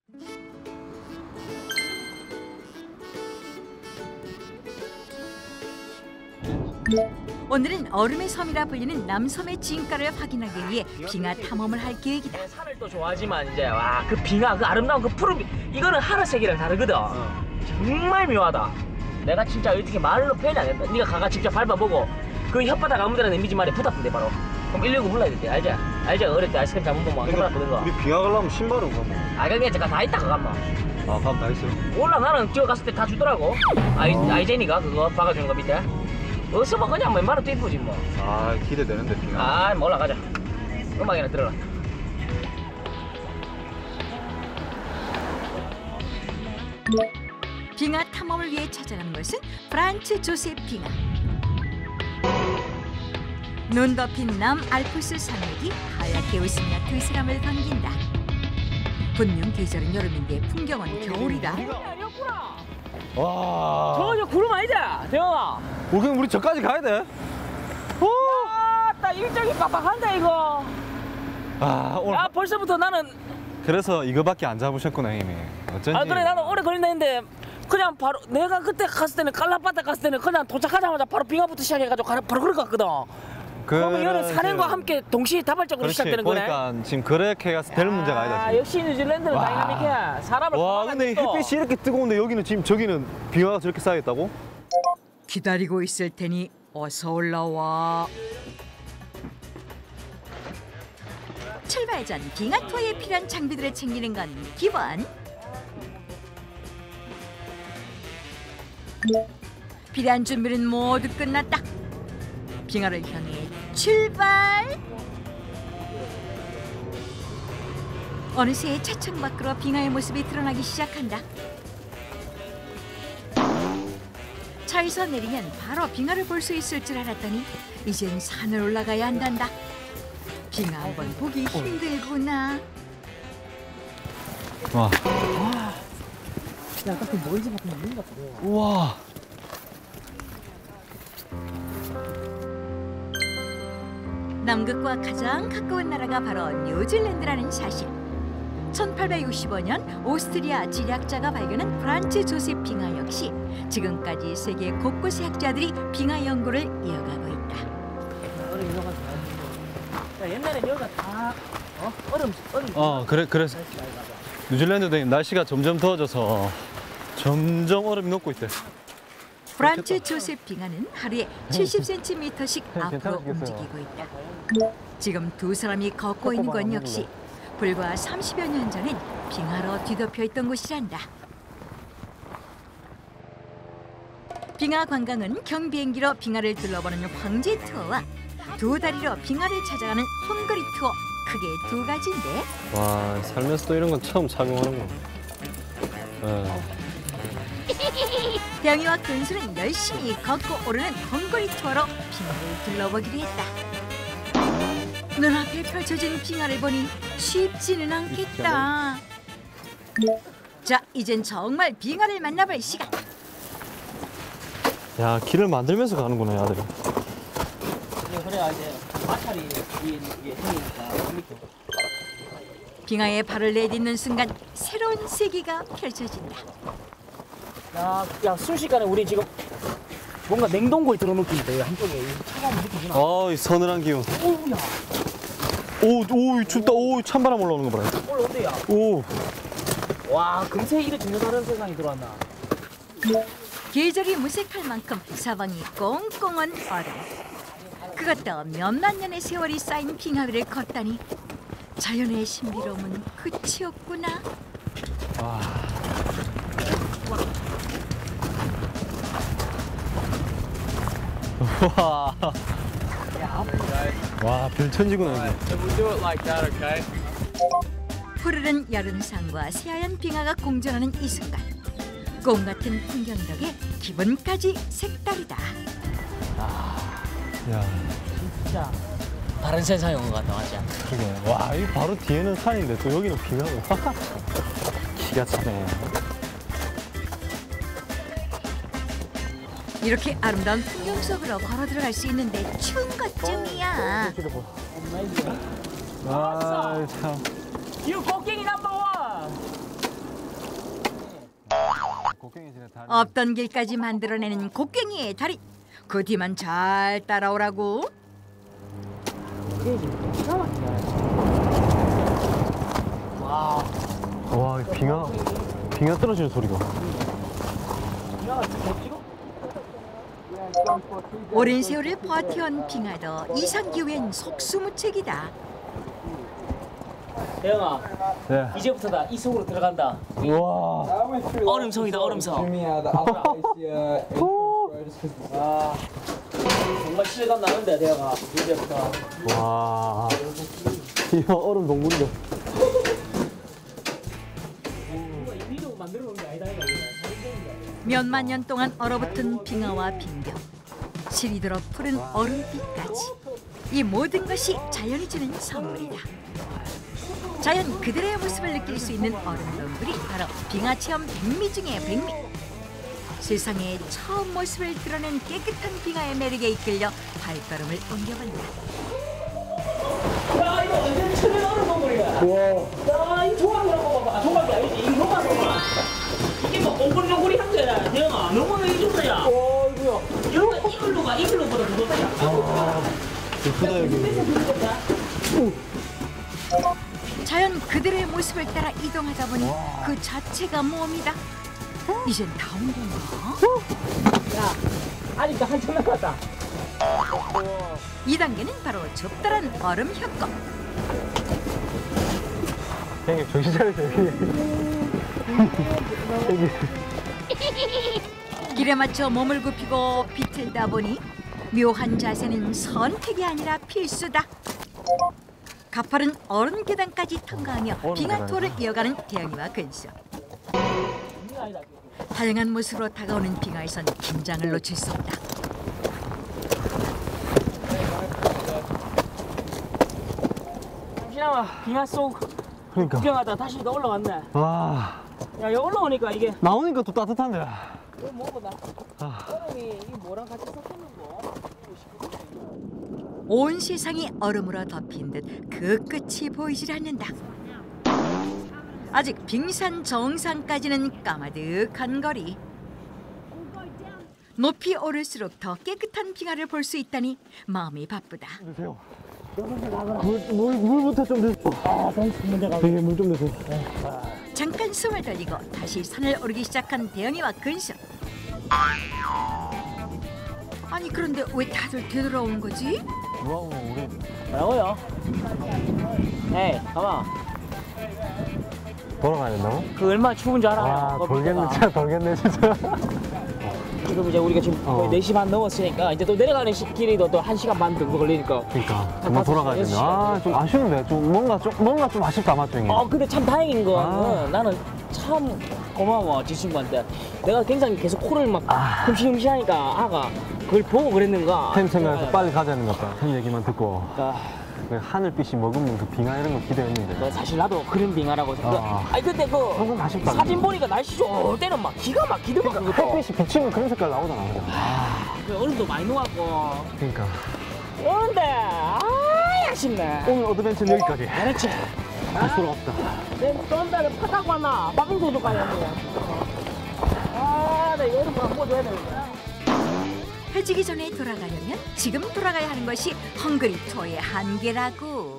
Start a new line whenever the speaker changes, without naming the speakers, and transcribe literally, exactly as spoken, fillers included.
오늘은 얼음의 섬이라 불리는 남섬의 진가를 확인하기 위해 빙하 탐험을 할 계획이다.
산을 또 좋아하지만 이제 와 그 빙하 그 아름다운 그 푸른 이거는 하늘색이랑 다르거든. 어. 정말 묘하다. 내가 진짜 어떻게 말로 표현이 안 된다. 네가 가가 직접 밟아보고 그 혓바닥 아무데나 이미지 말에 붙었던데 바로. 그럼 일일구 불러야 돼. 알지? 알지? 어릴 때 아이스크림 잘못 먹으면 해봤거든 거.
우리 빙하 가려면 신발은 가면.
아 그게 제가 다 있다 가만.
아 가면 다 있어.
몰라 나는 뛰어갔을 때 다 주더라고. 아이 어. 아이제니가 그거 박아주는 거 밑에. 어서 뭐 그냥 웬만하면 또 이쁘지 뭐.
아 기대되는데 빙하.
아 뭐 올라가자. 음악이나 들어라.
빙하 탐험을 위해 찾아가는 것은 프란츠 조셉 빙하. 눈 덮인 남 알프스 산맥이 하얗게 웃으며 그 사람을 반긴다. 분명 계절은 여름인데 풍경은 겨울이다.
아니었구나.
와.
저 저 구름 아니다. 대영아.
우리 우리 저까지 가야 돼.
와, 나 일정이 빡빡한데 이거.
아 오늘.
아 벌써부터 나는.
그래서 이거밖에 안 잡으셨구나 이미. 어쩐지.
아 그래 나는 오래 걸린다 했는데 그냥 바로 내가 그때 갔을 때는 깔라바타 갔을 때는 그냥 도착하자마자 바로 빙하부터 시작해가지고 가- 바로 그럴 것 같거든. 그러면 이거는 산행과 함께 동시에 다발적으로
그렇지,
시작되는 거네.
그러니까 지금 그렇게 가서 될 문제가 아니다.
아
지금.
역시 뉴질랜드는
와.
다이나믹해. 사람을
와 근데
또.
햇빛이 이렇게 뜨거운데 여기는 지금 저기는 빙하가 저렇게 쌓여있다고?
기다리고 있을 테니 어서 올라와. 출발 전 빙하 투어에 필요한 장비들을 챙기는 건 기본. 필요한 준비는 모두 끝났다. 빙하를 향해 출발. 어느새 차창 밖으로 빙하의 모습이 드러나기 시작한다. 차에서 내리면 바로 빙하를 볼 수 있을 줄 알았더니 이젠 산을 올라가야 한단다. 빙하 한번 보기 힘들구나.
와.
야, 딱 그 먼지 같은 거 있는 것 같아.
우와.
남극과 가장 가까운 나라가 바로 뉴질랜드라는 사실. 천팔백육십오 년 오스트리아 지리학자가 발견한 프란츠 조셉 빙하 역시 지금까지 세계 곳곳의 학자들이 빙하 연구를 이어가고 있다.
얼음 이어가지고. 야, 옛날에 여기가 다 어? 얼음 얼음.
어 그래 그래서 뉴질랜드도 날씨가 점점 더워져서 점점 얼음이 녹고 있대.
프란츠 조셉 빙하는 하루에 칠십 센티미터씩 앞으로
괜찮으시겠어요?
움직이고 있다. 지금 두 사람이 걷고 있는 건 역시 불과 삼십여 년 전엔 빙하로 뒤덮여 있던 곳이란다. 빙하 관광은 경비행기로 빙하를 둘러보는 황제 투어와 두 다리로 빙하를 찾아가는 헝거리 투어, 크게 두 가지인데.
와 살면서도 이런 건 처음 착용하는 거. 어.
병이와 근수는 열심히 걷고 오르는 헝거리 투어로 빙하를 둘러보기로 했다. 눈앞에 펼쳐진 빙하를 보니 쉽지는 않겠다. 자, 이젠 정말 빙하를 만나볼 시간.
야 길을 만들면서 가는구나 야들이.
그래야 이제 마찰이 이게 생기니까.
빙하에 발을 내딛는 순간 새로운 세계가 펼쳐진다.
야, 야 순식간에 우리 지금 뭔가 냉동고에 들어 놓기인데 한쪽에 차가운 느낌이나.
아, 이 서늘한 기운.
오우야.
오, 오, 춥다. 오, 찬바람 올라오는 거 봐라.
올라온대야.
오.
와, 금세 이래 전혀 다른 세상이 들어왔나.
계절이 무색할 만큼 사방이 꽁꽁한 얼음. 그것도 몇만 년의 세월이 쌓인 빙하 위를 걷다니 자연의 신비로움은 끝이 없구나.
와. 와. 와, 별천지구나 여기.
푸르른 여름산과 새하얀 빙하가 공존하는 이 순간. 꿈 같은 풍경 덕에 기분까지 색다르다.
야.
진짜 다른 세상에 온 것 같다, 맞지?
그게. 와, 이 바로 뒤에는 산인데 또 여기는 빙하고. 기가 차네.
이렇게 아름다운 풍경 속으로 걸어 들어갈 수 있는데 추운 것쯤이야.
아, 참.
유 곡괭이 넘버 원.
곡괭이질의 달인.
없던 길까지 만들어내는 곡괭이의 달인. 그 뒤만 잘 따라오라고.
와.
와, 이 빙하 빙하 떨어지는 소리가.
오랜 세월을 버텨온 빙하도 이상기후엔 속수무책이다.
대영아,
네.
이제부터다. 이 속으로 들어간다.
와.
얼음성이다, 얼음성. 아, 정말 실감 나는데, 대영아. 이제부터.
와. 이거 얼음 동굴이다.
위로 만들어 놓은 게 아니다, 이거.
몇만 년 동안 얼어붙은 빙하와 빙벽, 실이 들어 푸른 얼음빛까지 이 모든 것이 자연이 주는 선물이다. 자연 그들의 모습을 느낄 수 있는 얼음 동굴이 바로 빙하 체험 백미 중의 백미. 세상에 처음 모습을 드러낸 깨끗한 빙하의 매력에 이끌려 발걸음을 옮겨본다.
야, 이거 완전 천연 얼음 동굴이야. 와. 야, 이 조각이라고 봐봐. 아, 조각이 아니지. 이 조각 동굴. 이게 뭐 옹골옹골이 한 거야, 대영아. 너무나 이 정도야. 오, 이거야. 여기가 이글루가 이글루보다 더 높다.
아, 예쁘다 여기.
자연 그들의 모습을 따라 이동하다 보니 그 자체가 몸이다. 이젠 다 온 건가?
야, 아직도 한참 남았다.
이 단계는 바로 적절한 얼음 협곡.
형님 정신 차리세요. 형님.
길에 맞춰 몸을 굽히고 비틀다 보니 묘한 자세는 선택이 아니라 필수다. 가파른 얼음 계단까지 통과하며
얼음
빙하 투어를
계단이다.
이어가는 대영이와 근수. 다양한 모습으로 다가오는 빙하에선 긴장을 놓칠 수 없다.
잠시나마 빙하 속
그러니까.
구경하다 다시 또 올라왔네.
와.
야, 여기 올라오니까 이게
나오니까 또 따뜻한데.
이거 뭐보다
아.
얼음이 이 뭐랑 같이 섞이는 거.
온 세상이 얼음으로 덮인 듯 그 끝이 보이질 않는다. 아직 빙산 정상까지는 까마득한 거리. 높이 오를수록 더 깨끗한 빙하를 볼 수 있다니 마음이 바쁘다.
주세요. 물, 물, 물부터 좀 주세요.
아, 먼저 가.
되게 물 좀 주세요.
잠깐 숨을 돌리고 다시 산을 오르기 시작한 대영이와 근수. 아니 그런데 왜 다들 되돌아온 거지?
뭐하고 우리
뭐라고요? 에이, 가만.
돌아가야 된다고?
그 얼마나 추운 줄 알아요?
아,
그거
돌겠네.
밑에가.
진짜 돌겠네, 진짜.
지금 이제 우리가 지금
어.
거의 네 시 반 넘었으니까 이제 또 내려가는 시- 길이도 또 한 시간 반 정도 걸리니까.
그러니까 그만 돌아가야
다섯 시,
된다. 아, 좀 아쉬운데. 좀 뭔가 좀 뭔가 좀 아쉽다, 맞죠, 형님?
어, 근데 참 다행인 거는
아.
나는 참 고마워, 지 친구한테. 내가 굉장히 계속 코를 막
아.
흠시흠시 하니까 아가 그걸 보고 그랬는가.
템 생각해서 빨리 가자는 것 같다. 형 얘기만 듣고.
아,
그 하늘빛이 머금는 그 빙하 이런 거 기대했는데.
너 사실 나도 그런 빙하라고 생각.
아.
아니 근데 그
조금 아쉽다.
사진 보니까 날씨 좋을 때는 막 기가 막히더만 그것도.
햇빛이 비치면 그런 색깔 나오잖아. 그죠?
그 얼음도 많이 녹았고.
그러니까.
그런데 아 아쉽네.
오늘 어드벤처는 여기까지.
그렇지.
다시 돌아갑시다.
내좀 전에 파 타고 왔나? 박인도도 가야 돼. 아, 나 이거 얼음 한번 줘야 되는데.
해지기 전에 돌아가려면 지금 돌아가야 하는 것이 헝그리 투어의 한계라고.